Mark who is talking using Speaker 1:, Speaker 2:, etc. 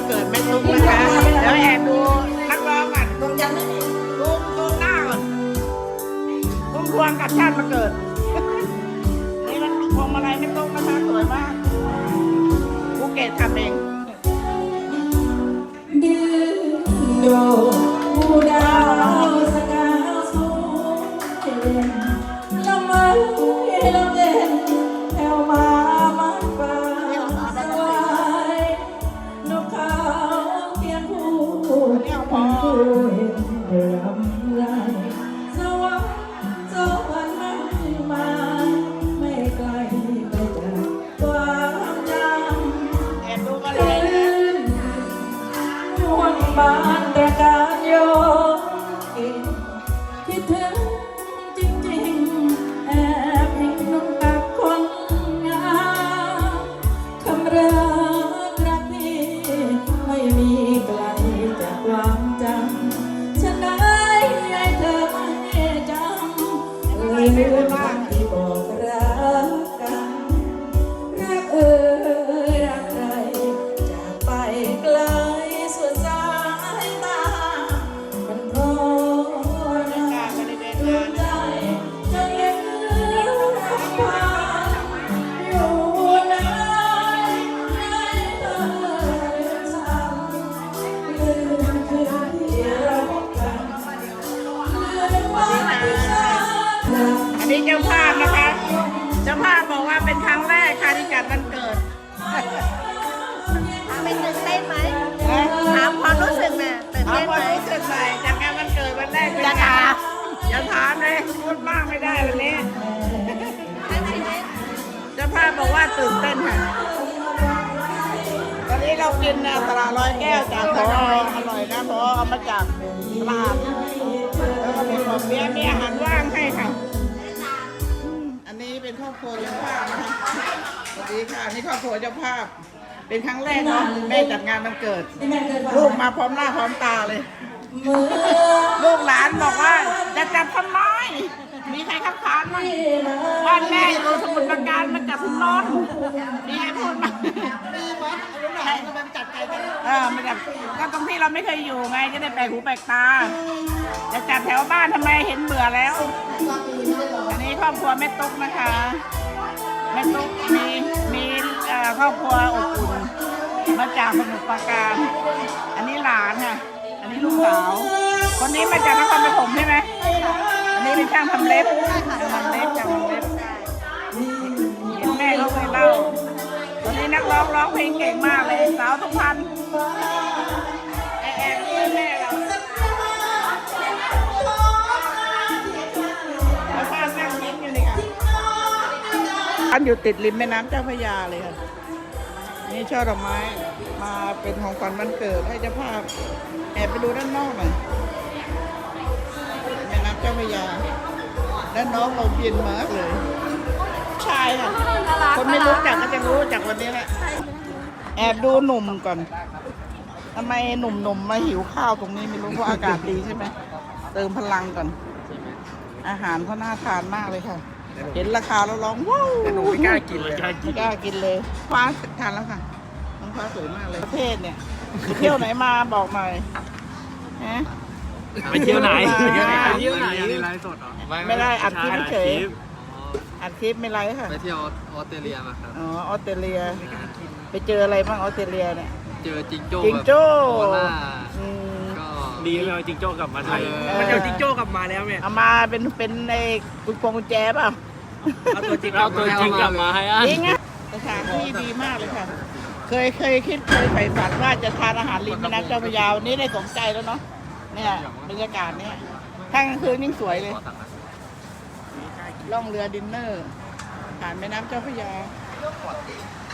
Speaker 1: เกิดแม่ตุ้มนะคะเดี๋ยวแอบดูนักร้องก่อนตุ้มยังไม่มีตุ้มหน้าก่อนตุ้มพวงกับชาติมาเกิดนี่มันพวงมาลัยแม่ตุ้มนะคะสวยมากภูเก็ตทำเอง
Speaker 2: ดื้อโดผู้ดาวสกาวสูงเด่นละเมอละเด่นแถวมามันฟ้าสวายนกเขาเพียงผู้เห็นรำไรสวรรค์สวรรค์นั้นมาไม่ไกลไปจากความจำ
Speaker 1: แอบดูกันเลย
Speaker 2: บ้านตระการโยคิดถึงจริงๆแอบเห็นน้องกับคนงามคำรักนี้ไม่มีไกลจากความจำฉันได้ให้เธอไม่จำลืมคำที่บอกรักกันรักรักใครจากไปไกล
Speaker 1: อันนี้เจ้าภาพนะคะเจ้าภาพบอกว่าเป็นครั้งแรกค่ะที่จัดวันเกิด
Speaker 3: เป็นตื่นเต้นไหมถามความรู้สึกน่ะตื่น
Speaker 1: เอา
Speaker 3: เต้น
Speaker 1: ค
Speaker 3: ไห
Speaker 1: วาม
Speaker 3: ม
Speaker 1: รู้สึกหน่อยจากงานวันเกิดวันแรกเป็นไงอย่าถามเลยพูดมากไม่ได้วันนี้เจ้าภาพบอกว่าตื่นเต้นค่ะตอนนี้เรากินตลาดร้อยแก้วจากพออร่อยนะพอเอามาจากตลาดแล้วก็มีของมีอาหารว่างให้ค่ะอันนี้เป็นครอบครัวเจ้าภาพนะคะสวัสดีค่ะนี่ครอบครัวเจ้าภาพเป็นครั้งแรกเนาะแม่จัดงานวันเกิดลูกมาพร้อมหน้าพร้อมตาเลยลูกหลานบอกว่าจะจัดทำไมมีใครคัดค้านไหมบ้านแม่อยู่สมุทรปราการมันจัดทุนนอนมีใครพูดไหมมีวัดลูกหลานมันจัดใจกันมันจัดก็ตรงที่เราไม่เคยอยู่ไงจะได้แปลกหูแปลกตาจะจัดแถวบ้านทำไมเห็นเบื่อแล้วอันนี้ครอบครัวแม่ตุ๊กนะคะแม่ตุ๊กมีครอบครัวอบอุ่นมาจากสมุทรปราการอันนี้หลานค่ะอันนี้ลูกสาวคนนี้มาจากนครปฐมใช่ไหมอันนี้เป็นช่างทำเล็บช่างทำเล็บเห็นแม่เขาเคยเล่าวันนี้นักร้องเพลงเก่งมากเลยสาวทุกพันแอบแม่เราแล้วป้านั่งยิ้มอยู่นี่ค่ะอันอยู่ติดริมแม่น้ำเจ้าพระยาเลยค่ะนี่ช่อดอกไม้มาเป็นของขวัญวันเกิดให้เจ้าภาพแอบไปดูด้านนอกหน่อยแม่น้ำเจ้าพระยาด้านน้องเราเย็นมากเลยชายค่ะคนไม่รู้จักก็จะรู้จากวันนี้แหละแอบดูหนุ่มก่อนทำไมหนุ่มมาหิวข้าวตรงนี้ไม่รู้เพราะอากาศดีใช่ไหมเติมพลังก่อนอาหารเขาน่าทานมากเลยค่ะเห็นราคาแล้วร้องว้าว
Speaker 4: หนูไม่กล้ากินเลย
Speaker 1: ไม่กล้ากินเลยฟ้าทานแล้วค่ะน้องฟ้าสวยมากเลยประเทศเนี่ยไปเที่ยวไหนมาบอกหน่อยฮะ
Speaker 4: ไปเที่ยวไหน
Speaker 1: ไปเที่ยวไหน
Speaker 4: ไลฟ์สดเหรอ
Speaker 1: ไม่ได้อัดคลิปเฉยอัดคลิปไม่ไรค่ะ
Speaker 4: ไปเที่ยวออสเตรเลียมาครับ
Speaker 1: อ๋อออสเตรเลียไปเจออะไรบ้างออสเตรเลียเนี่ย
Speaker 4: เจอจิงโจ้
Speaker 1: จิงโจ้
Speaker 4: ก็ดีเลยจิงโจ้กลับมาไทย
Speaker 1: มันเอาจิงโจ้
Speaker 4: กลับมาแล้วเนี่ย
Speaker 1: เอามาเป็นในกุญแจเปล่า
Speaker 4: เอาตัวจริงกลับมาให้
Speaker 1: จริงอะสถานที่ดีมากเลยค่ะเคยใฝ่ฝันว่าจะทานอาหารริมแม่น้ำเจ้าพระยาวันนี้ได้สมใจแล้วเนาะเนี่ยบรรยากาศเนี่ยถ้ากลางคืนยิ่งสวยเลยล่องเรือดินเนอร์ผ่านแม่น้ำเจ้าพระยา